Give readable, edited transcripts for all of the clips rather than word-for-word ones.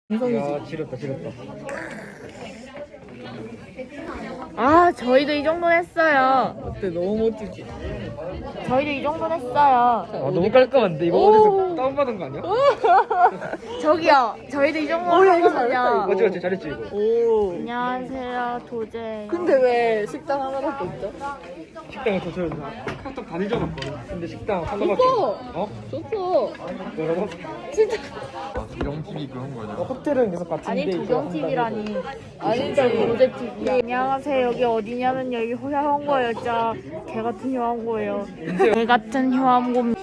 야, 지렸다, 지렸다. 아, 저희도 이 정도는 했어요. 어때? 너무 멋지지? 저희도 이 정도는 했어요. 아, 너무 깔끔한데? 이거 어디서 다운받은 거 아니야? 저기요, 저희도 이 정도는 했거든요. 맞지, 맞지, 잘했지, 이거. 오. 안녕하세요, 도제. 근데 왜 식당 하나밖에 없죠? 식당을 도착해서 카톡 다 잊어봤거든. 근데 식당 하나밖에. 이거! 어? 좋죠. 뭐라고? 진짜. 영TV 그런 거죠. 호텔은 계속 같은데. 아니, 이거 도경 한다고. TV라니. 아니지. 도제 TV. 안녕하세요, 여기 어디냐면 여기 호야홍고예요. 진짜 개 같은 호야홍고예요. 개 같은 호야홍고.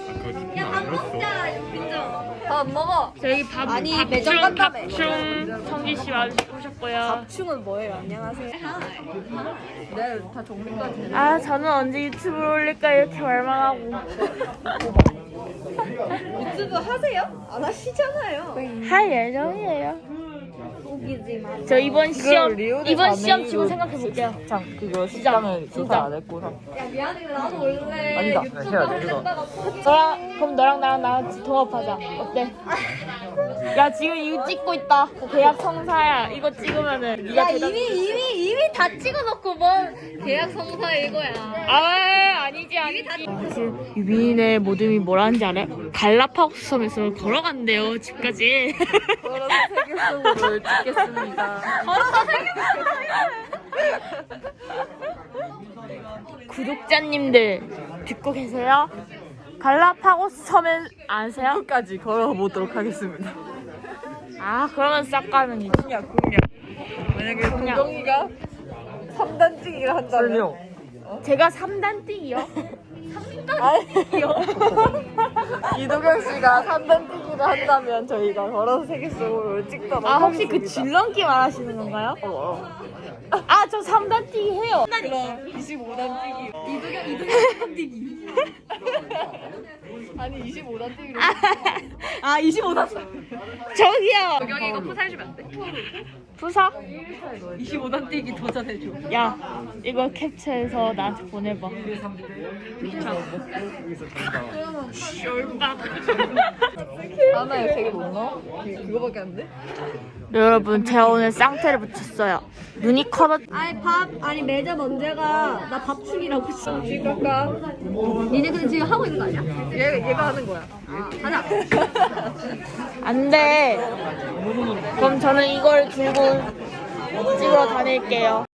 밥 먹어. 저희 밥 아니, 밥충, 매점 간다며. 밥충 성기 씨 와주셨고요. 밥충은 뭐예요? 안녕하세요. 네, 다 정리까지. 아, 저는 언제 유튜브를 올릴까 이렇게 말망하고. 유튜브 하세요? 안 하시잖아요. 할 예정이에요. 웃기지만. 저 이번 시험 리오데 이번 시험 자네이루 치고 생각해 볼게요. 참, 그거 식당을 진짜. 조사 안 했구나. 야, 미안해. 나도 원래 아니다. 유튜브 해야 돼, 이거. 하겠다가 포기. 그럼 너랑 나랑 동업하자. 어때? 야, 지금 이거 찍고 있다. 계약 성사야. 이거 찍으면은 네가 대답. 이미 다 찍어놓고 뭔 계약 성사 이거야. 아, 아니지. 사실 유빈이네 모듬이 뭐라는지 알아요? 갈라파고스 섬에서 걸어간대요, 집까지. 걸어서 세계 속으로 찍겠습니다. 구독자님들 듣고 계세요? 갈라파고스 섬은 아세요? 끝까지 걸어보도록 하겠습니다. 아, 그러면 싹 가는 거지. 공약. 만약에 공약. 도경이가 3단 찍기를 한다면. 설명. 제가 3단 뛰기요? 이도경 씨가 3단 뛰기를 한다면 저희가 걸어서 세계 속으로 찍도록 아, 혹시 그 하겠습니다. 줄넘기 말하시는 건가요? 어. 아, 저 3단 뛰기 해요. 그럼 25단 뛰기. 이도경 3단 뛰기. 아니 25단 뛰기로. 아 25단. 저기요. 도경이 이거 푸사 해주면 안 돼? 부사? 25단 뛰기 도전해줘. 야, 이거 캡처해서 나한테 보내봐. 열받아. 하나에 3개 못 넣어? 그거밖에 안 돼? 여러분, 제가 오늘 쌍태를 붙였어요. 눈이 커졌. 아니 매점 언제가 나 밥충이라고 했어. 지금 갈까? 니네 근데 지금 하고 있는 거 아니야? 얘가 하는 거야. 하자. 안 돼. 그럼 저는 이걸 들고 찍으러 다닐게요.